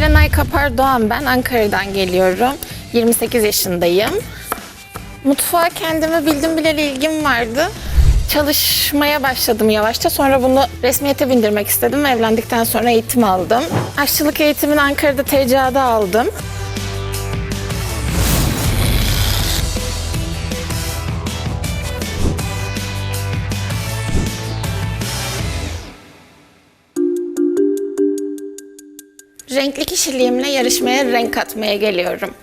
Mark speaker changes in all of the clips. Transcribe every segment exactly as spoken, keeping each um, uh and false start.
Speaker 1: Serenay Kapar Doğan ben. Ankara'dan geliyorum. yirmi sekiz yaşındayım. Mutfağa kendime bildim bileli ilgim vardı. Çalışmaya başladım yavaşça. Sonra bunu resmiyete bindirmek istedim. Evlendikten sonra eğitim aldım. Aşçılık eğitimini Ankara'da T C A'da aldım. Renkli kişiliğimle yarışmaya renk katmaya geliyorum.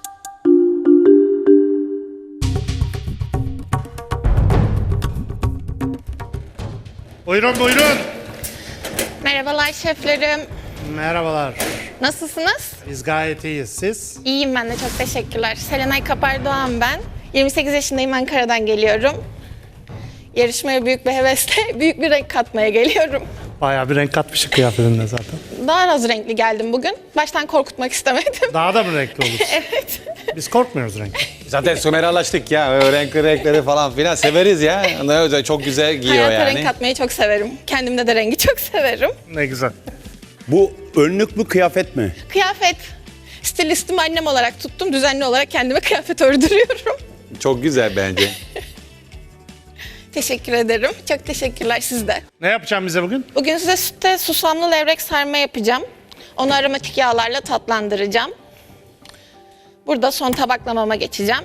Speaker 2: Buyurun buyurun.
Speaker 1: Merhabalar şeflerim.
Speaker 2: Merhabalar.
Speaker 1: Nasılsınız?
Speaker 2: Biz gayet iyiyiz. Siz?
Speaker 1: İyiyim ben de, çok teşekkürler. Serenay Kapar Doğan ben. yirmi sekiz yaşındayım, Ankara'dan geliyorum. Yarışmaya büyük bir hevesle büyük bir renk katmaya geliyorum.
Speaker 2: Bayağı bir renk katmışık kıyafetinde zaten.
Speaker 1: Daha az renkli geldim bugün. Baştan korkutmak istemedim.
Speaker 2: Daha da mı renkli olur?
Speaker 1: Evet.
Speaker 2: Biz korkmuyoruz renk.
Speaker 3: Zaten Sümera'laştık ya. O renkli renkleri falan filan severiz ya. Ne güzel, çok güzel giyiyor
Speaker 1: Hayata
Speaker 3: yani.
Speaker 1: renk katmayı çok severim. Kendimde de rengi çok severim.
Speaker 2: Ne güzel.
Speaker 4: Bu önlük mü kıyafet mi?
Speaker 1: Kıyafet. Stilistimi annem olarak tuttum. Düzenli olarak kendime kıyafet ördürüyorum.
Speaker 3: Çok güzel bence.
Speaker 1: Teşekkür ederim. Çok teşekkürler, siz de.
Speaker 2: Ne yapacağım bize bugün?
Speaker 1: Bugün size sütte susamlı levrek sarma yapacağım. Onu aromatik yağlarla tatlandıracağım. Burada son tabaklamama geçeceğim.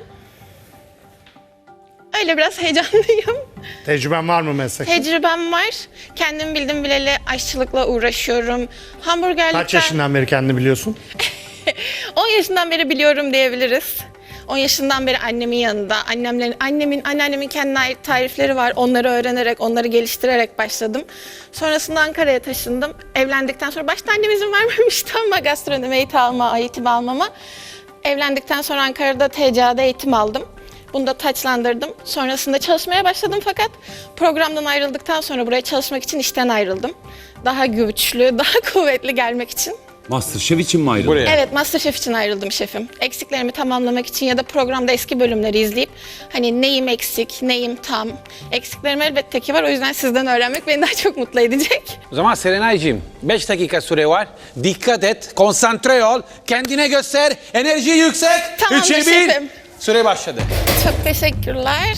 Speaker 1: Öyle biraz heyecanlıyım.
Speaker 2: Tecrüben var mı meslekte?
Speaker 1: Tecrübem var. Kendim bildim bileli aşçılıkla uğraşıyorum. Hamburgerlikten...
Speaker 2: Kaç yaşından beri kendini biliyorsun?
Speaker 1: on yaşından beri biliyorum diyebiliriz. on yaşından beri annemin yanında, annemlerin, annemin, anneannemin kendine ait tarifleri var. Onları öğrenerek, onları geliştirerek başladım. Sonrasında Ankara'ya taşındım. Evlendikten sonra, başta annem izin vermemişti ama gastronomi eğitim alma, eğitim almama. Evlendikten sonra Ankara'da T C A'da eğitim aldım. Bunu da taçlandırdım. Sonrasında çalışmaya başladım fakat programdan ayrıldıktan sonra buraya çalışmak için işten ayrıldım. Daha güçlü, daha kuvvetli gelmek için.
Speaker 4: Masterchef için mi ayrıldın?
Speaker 3: Buraya.
Speaker 1: Evet, MasterChef için ayrıldım şefim. Eksiklerimi tamamlamak için ya da programda eski bölümleri izleyip hani neyim eksik, neyim tam. Eksiklerim elbette ki var, o yüzden sizden öğrenmek beni daha çok mutlu edecek.
Speaker 3: O zaman Serenay'cığım beş dakika süre var. Dikkat et, konsantre ol, kendine göster, enerji yüksek.
Speaker 1: Tamamdır
Speaker 3: Üçe bir.
Speaker 1: şefim.
Speaker 3: Süre başladı.
Speaker 1: Çok teşekkürler.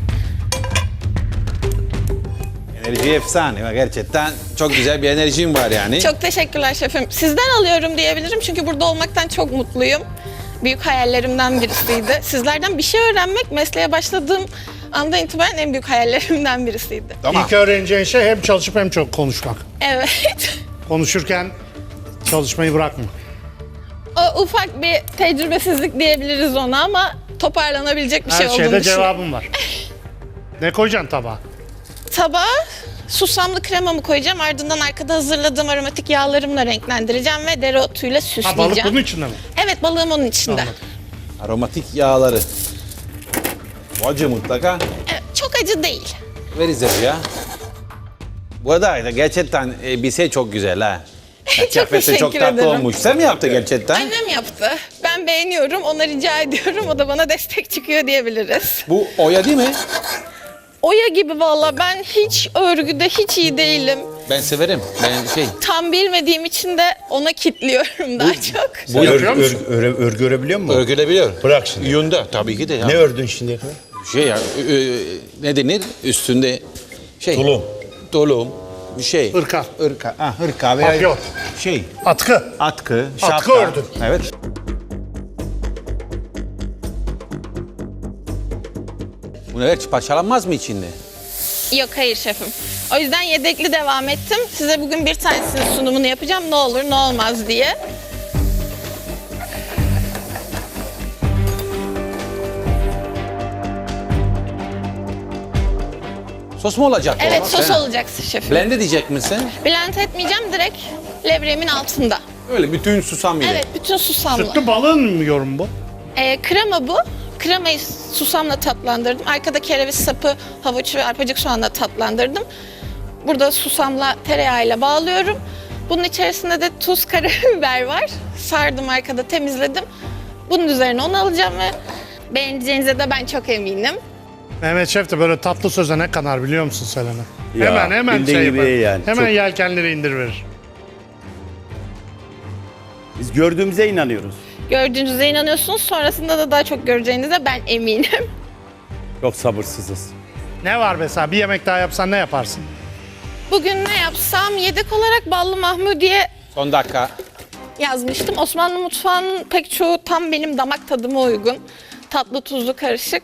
Speaker 3: Enerji efsane. Gerçekten çok güzel bir enerjim var yani.
Speaker 1: Çok teşekkürler şefim. Sizden alıyorum diyebilirim çünkü burada olmaktan çok mutluyum. Büyük hayallerimden birisiydi. Sizlerden bir şey öğrenmek mesleğe başladığım andan itibaren en büyük hayallerimden birisiydi.
Speaker 3: Tamam.
Speaker 2: İlk öğreneceğin şey hem çalışıp hem çok konuşmak.
Speaker 1: Evet.
Speaker 2: Konuşurken çalışmayı bırakma.
Speaker 1: O ufak bir tecrübesizlik diyebiliriz ona ama toparlanabilecek bir şey
Speaker 2: Her
Speaker 1: olduğunu
Speaker 2: şeyde
Speaker 1: düşünüyorum.
Speaker 2: cevabım var. Ne koyacaksın tabağa?
Speaker 1: Tabağa susamlı kremamı koyacağım. Ardından arkada hazırladığım aromatik yağlarımla renklendireceğim ve dereotuyla
Speaker 2: Ha,
Speaker 1: süsleyeceğim.
Speaker 2: balık bunun içinde mi?
Speaker 1: Evet, balığım onun içinde.
Speaker 2: Anladım.
Speaker 3: Aromatik yağları. Acı mutlaka.
Speaker 1: Evet, çok acı değil.
Speaker 3: Veririz ya. Bu arada gerçekten elbise çok güzel ha.
Speaker 1: Çok
Speaker 3: Kıyafeti
Speaker 1: teşekkür
Speaker 3: çok tatlı
Speaker 1: ederim.
Speaker 3: olmuş. Sen mi yaptın gerçekten?
Speaker 1: Annem yaptı. Ben beğeniyorum, ona rica ediyorum. O da bana destek çıkıyor diyebiliriz.
Speaker 3: Bu oya değil mi?
Speaker 1: Oya gibi valla, ben hiç örgüde hiç iyi değilim.
Speaker 3: Ben severim. Ben şey.
Speaker 1: Tam bilmediğim için de ona kitliyorum daha çok.
Speaker 2: Bu yapıyor
Speaker 4: Örgü,
Speaker 2: musun?
Speaker 4: örgü, örgü, örgü örebiliyor musun?
Speaker 3: Örgülebiliyor.
Speaker 4: Bırak şimdi.
Speaker 3: Yunda tabii ki de ya.
Speaker 4: Ne ördün şimdiye kadar?
Speaker 3: Şey ya, ö- ö- ne denir? Üstünde şey.
Speaker 4: Tulum.
Speaker 3: Tulum. Bir şey.
Speaker 2: Hırka.
Speaker 3: Irka. Ha, hırka veya
Speaker 2: Papyon.
Speaker 3: şey.
Speaker 2: Atkı.
Speaker 3: Atkı,
Speaker 2: Atkı
Speaker 3: şapka.
Speaker 2: ördün.
Speaker 3: Evet. Bu neler parçalanmaz mı içinde?
Speaker 1: Yok, hayır şefim. O yüzden yedekli devam ettim. Size bugün bir tanesinin sunumunu yapacağım. Ne olur ne olmaz diye.
Speaker 3: Sos mu olacak? o?
Speaker 1: Evet, sos
Speaker 3: Ha.
Speaker 1: olacak şefim.
Speaker 3: Blend edecek misin?
Speaker 1: Blend etmeyeceğim, direkt levreğimin altında.
Speaker 3: Öyle bütün susam ile.
Speaker 1: Evet, bütün susamlı.
Speaker 2: Sütlü balığın mı yorum bu?
Speaker 1: Ee, krema bu. Kremayı susamla tatlandırdım. Arkada kereviz sapı, havuç ve arpacık soğanla tatlandırdım. Burada susamla tereyağıyla bağlıyorum. Bunun içerisinde de tuz, karabiber var. Sardım, arkada temizledim. Bunun üzerine onu alacağım ve beğeneceğinize de ben çok eminim.
Speaker 2: Mehmet Şef de böyle tatlı söze ne kanar biliyor musun Selena?
Speaker 4: Ya,
Speaker 2: hemen hemen
Speaker 4: bildiğin
Speaker 2: şey
Speaker 4: gibi
Speaker 2: yapar.
Speaker 4: yani.
Speaker 2: Hemen
Speaker 4: Çok-
Speaker 2: yelkenleri indir verir.
Speaker 4: Biz gördüğümüze inanıyoruz.
Speaker 1: Gördüğünüze inanıyorsunuz, sonrasında da daha çok göreceğinize ben eminim.
Speaker 4: Çok sabırsızız.
Speaker 2: Ne var mesela bir yemek daha yapsan ne yaparsın?
Speaker 1: Bugün ne yapsam, yedek olarak ballı mahmudiye
Speaker 3: Son dakika.
Speaker 1: yazmıştım. Osmanlı mutfağının pek çoğu tam benim damak tadıma uygun. Tatlı tuzlu karışık.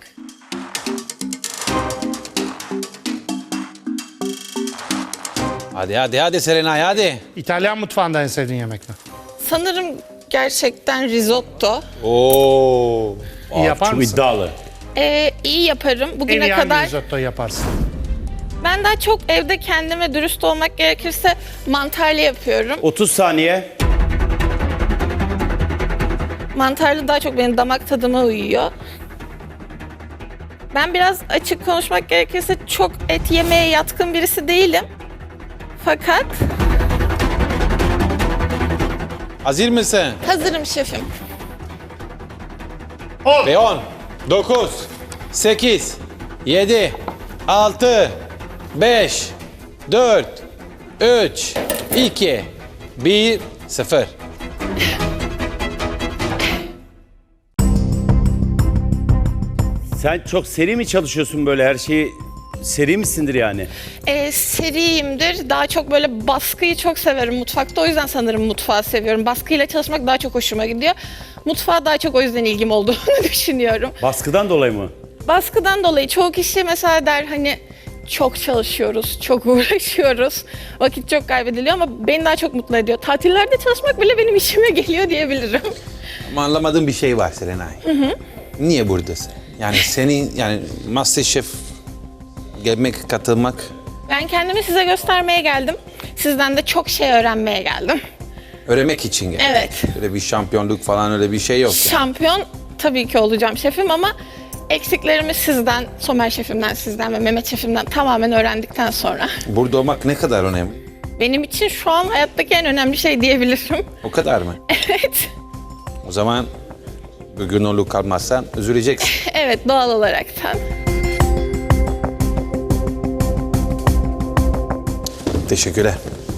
Speaker 3: Hadi hadi hadi Serenay hadi.
Speaker 2: İtalyan mutfağında en sevdiğin yemek ne?
Speaker 1: Sanırım gerçekten risotto.
Speaker 3: Oo.
Speaker 2: İyi yapar
Speaker 4: Çok
Speaker 2: mısın?
Speaker 4: iddialı.
Speaker 1: Ee, iyi yaparım.
Speaker 2: En
Speaker 1: Bugüne
Speaker 2: iyi hangi
Speaker 1: kadar
Speaker 2: risotto yaparsın?
Speaker 1: ben daha çok evde kendime dürüst olmak gerekirse mantarlı yapıyorum.
Speaker 4: otuz saniye.
Speaker 1: Mantarlı daha çok benim damak tadıma uyuyor. Ben biraz açık konuşmak gerekirse çok et yemeye yatkın birisi değilim. Fakat
Speaker 3: Hazır mısın?
Speaker 1: hazırım şefim.
Speaker 2: On.
Speaker 3: Ve on, dokuz, sekiz, yedi, altı, beş, dört, üç, iki, bir, sıfır.
Speaker 4: Sen çok seri mi çalışıyorsun böyle her şeyi? Seri misindir yani?
Speaker 1: Ee, seriyimdir. Daha çok böyle baskıyı çok severim mutfakta. O yüzden sanırım mutfağı seviyorum. Baskıyla çalışmak daha çok hoşuma gidiyor. Mutfağa daha çok o yüzden ilgim olduğunu düşünüyorum.
Speaker 4: Baskıdan dolayı mı?
Speaker 1: Baskıdan dolayı çoğu kişi mesela der hani çok çalışıyoruz, çok uğraşıyoruz, vakit çok kaybediliyor ama beni daha çok mutlu ediyor. Tatillerde çalışmak bile benim işime geliyor diyebilirim.
Speaker 3: Ama anlamadığım bir şey var Serenay. Niye buradasın? Yani senin yani MasterChef gelmek, katılmak
Speaker 1: Ben kendimi size göstermeye geldim. Sizden de çok şey öğrenmeye geldim.
Speaker 3: öğrenmek için geldi.
Speaker 1: Evet.
Speaker 3: Öyle bir şampiyonluk falan öyle bir şey yok. Yani.
Speaker 1: Şampiyon tabii ki olacağım şefim ama eksiklerimi sizden, Somer şefimden, sizden ve Mehmet şefimden tamamen öğrendikten sonra
Speaker 3: Burada olmak ne kadar önemli?
Speaker 1: benim için şu an hayattaki en önemli şey diyebilirim.
Speaker 3: O kadar mı?
Speaker 1: Evet.
Speaker 3: O zaman bugün onu kalmazsan üzüleceksin.
Speaker 1: Evet, doğal olaraktan.
Speaker 3: Teşekkürler.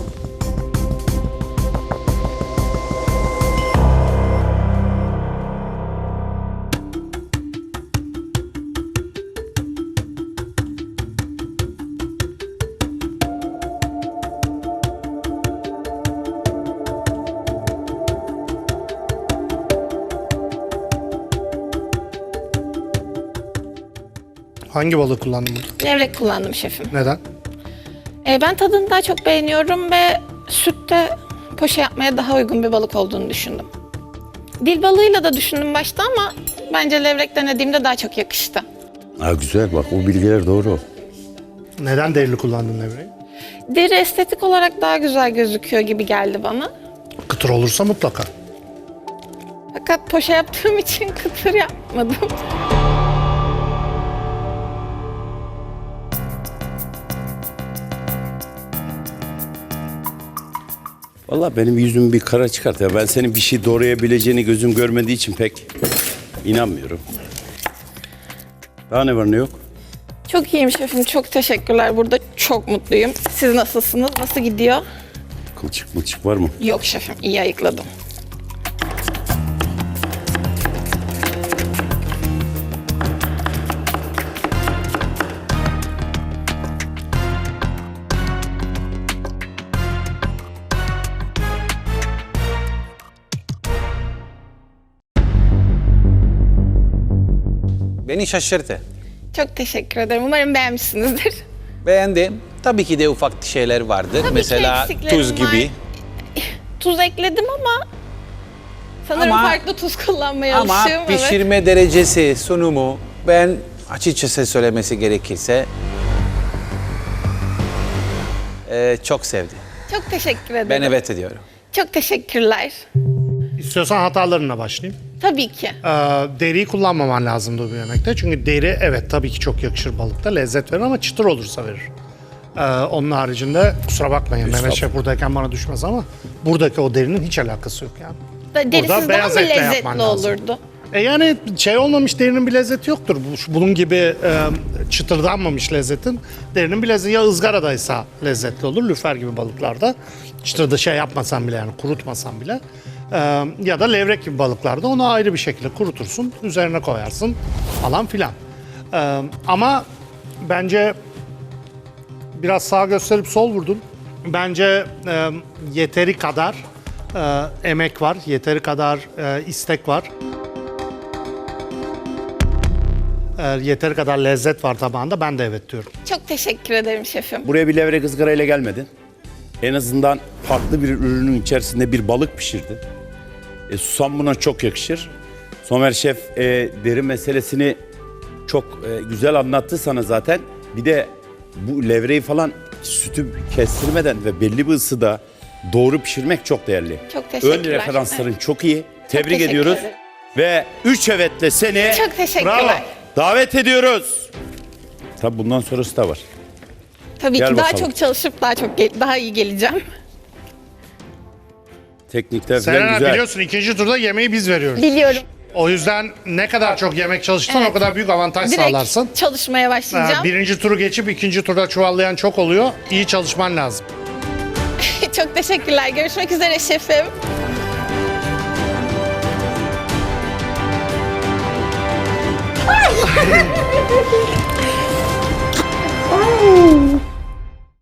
Speaker 2: Hangi balığı kullandın burada?
Speaker 1: Levrek kullandım şefim.
Speaker 2: Neden?
Speaker 1: Ee, ben tadını daha çok beğeniyorum ve sütte poşe yapmaya daha uygun bir balık olduğunu düşündüm. Dil balığıyla da düşündüm başta ama bence levrek denediğimde daha çok yakıştı.
Speaker 4: Ha güzel bak o bilgiler doğru.
Speaker 2: Neden derili kullandın levreyi?
Speaker 1: Deri estetik olarak daha güzel gözüküyor gibi geldi bana.
Speaker 2: Kıtır olursa mutlaka.
Speaker 1: Fakat poşe yaptığım için kıtır yapmadım.
Speaker 4: Vallahi benim yüzümü bir kara çıkart ya. Ben senin bir şey doğrayabileceğini gözüm görmediği için pek inanmıyorum. Daha ne var ne yok?
Speaker 1: Çok iyiyim şefim, çok teşekkürler. Burada çok mutluyum. Siz nasılsınız? Nasıl gidiyor?
Speaker 4: Kılçık mılçık var mı?
Speaker 1: Yok şefim, iyi ayıkladım.
Speaker 3: Beni şaşırttı.
Speaker 1: Çok teşekkür ederim. Umarım beğenmişsinizdir.
Speaker 3: Beğendim. Tabii ki de ufak şeyler vardır.
Speaker 1: Tabii ki
Speaker 3: Mesela
Speaker 1: eksiklerim
Speaker 3: tuz
Speaker 1: var.
Speaker 3: gibi.
Speaker 1: Tuz ekledim ama sanırım
Speaker 3: Ama-
Speaker 1: farklı tuz kullanmaya
Speaker 3: Ama
Speaker 1: alışığım. Evet.
Speaker 3: pişirme derecesi, sunumu ben açıkçası söylemesi gerekirse e, çok sevdim.
Speaker 1: Çok teşekkür ederim.
Speaker 3: Ben evet ediyorum.
Speaker 1: Çok teşekkürler.
Speaker 2: İstiyorsan hatalarına başlayayım.
Speaker 1: Tabii ki.
Speaker 2: Ee, deriyi kullanmaman lazımdı bu yemekte. Çünkü deri evet tabii ki çok yakışır balıkta. Lezzet verir ama çıtır olursa verir. Ee, onun haricinde kusura bakmayın Mehmet Şef buradayken bana düşmez ama buradaki o derinin hiç alakası yok yani.
Speaker 1: Da- Derisiz daha
Speaker 2: beyaz
Speaker 1: mı
Speaker 2: etle
Speaker 1: lezzetli
Speaker 2: yapman lazım.
Speaker 1: olurdu?
Speaker 2: E yani şey olmamış derinin bir lezzeti yoktur. Bu- şu- Bunun gibi e, çıtırdanmamış lezzetin derinin bir lezzeti ya ızgaradaysa lezzetli olur. Lüfer gibi balıklarda çıtırda şey yapmasan bile yani kurutmasan bile Ee, ya da levrek gibi balıklarda onu ayrı bir şekilde kurutursun, üzerine koyarsın falan filan. Ee, ama bence biraz sağ gösterip sol vurdun. Bence e, yeteri kadar e, emek var, yeteri kadar e, istek var. E, yeteri kadar lezzet var tabağında. Ben de evet diyorum.
Speaker 1: Çok teşekkür ederim şefim.
Speaker 4: Buraya bir levrek ızgarayla gelmedin. En azından farklı bir ürünün içerisinde bir balık pişirdin. E, susam buna çok yakışır. Somer Şef e, deri meselesini çok e, güzel anlattı sana zaten. Bir de bu levreyi falan sütü kestirmeden ve belli bir ısıda doğru pişirmek çok değerli.
Speaker 1: Çok teşekkürler.
Speaker 4: Ön referansların
Speaker 1: Evet.
Speaker 4: çok iyi. Tebrik
Speaker 1: teşekkür
Speaker 4: ediyoruz.
Speaker 1: ederim.
Speaker 4: Ve üç evetle seni
Speaker 1: Çok teşekkürler.
Speaker 2: Bravo.
Speaker 4: davet ediyoruz. Tabii bundan sonrası da var.
Speaker 1: Tabii
Speaker 4: Gel
Speaker 1: ki daha
Speaker 4: bakalım.
Speaker 1: çok çalışıp daha çok gel- daha iyi geleceğim.
Speaker 4: Teknikler falan
Speaker 2: Serena
Speaker 4: güzel.
Speaker 2: biliyorsun ikinci turda yemeği biz veriyoruz.
Speaker 1: Biliyorum.
Speaker 2: O yüzden ne kadar çok yemek çalışırsan
Speaker 1: Evet.
Speaker 2: o kadar büyük avantaj
Speaker 1: Direkt
Speaker 2: sağlarsın.
Speaker 1: çalışmaya
Speaker 2: Ee,
Speaker 1: başlayacağım.
Speaker 2: birinci turu geçip ikinci turda çuvallayan çok oluyor. İyi çalışman lazım.
Speaker 1: Çok teşekkürler. Görüşmek üzere şefim.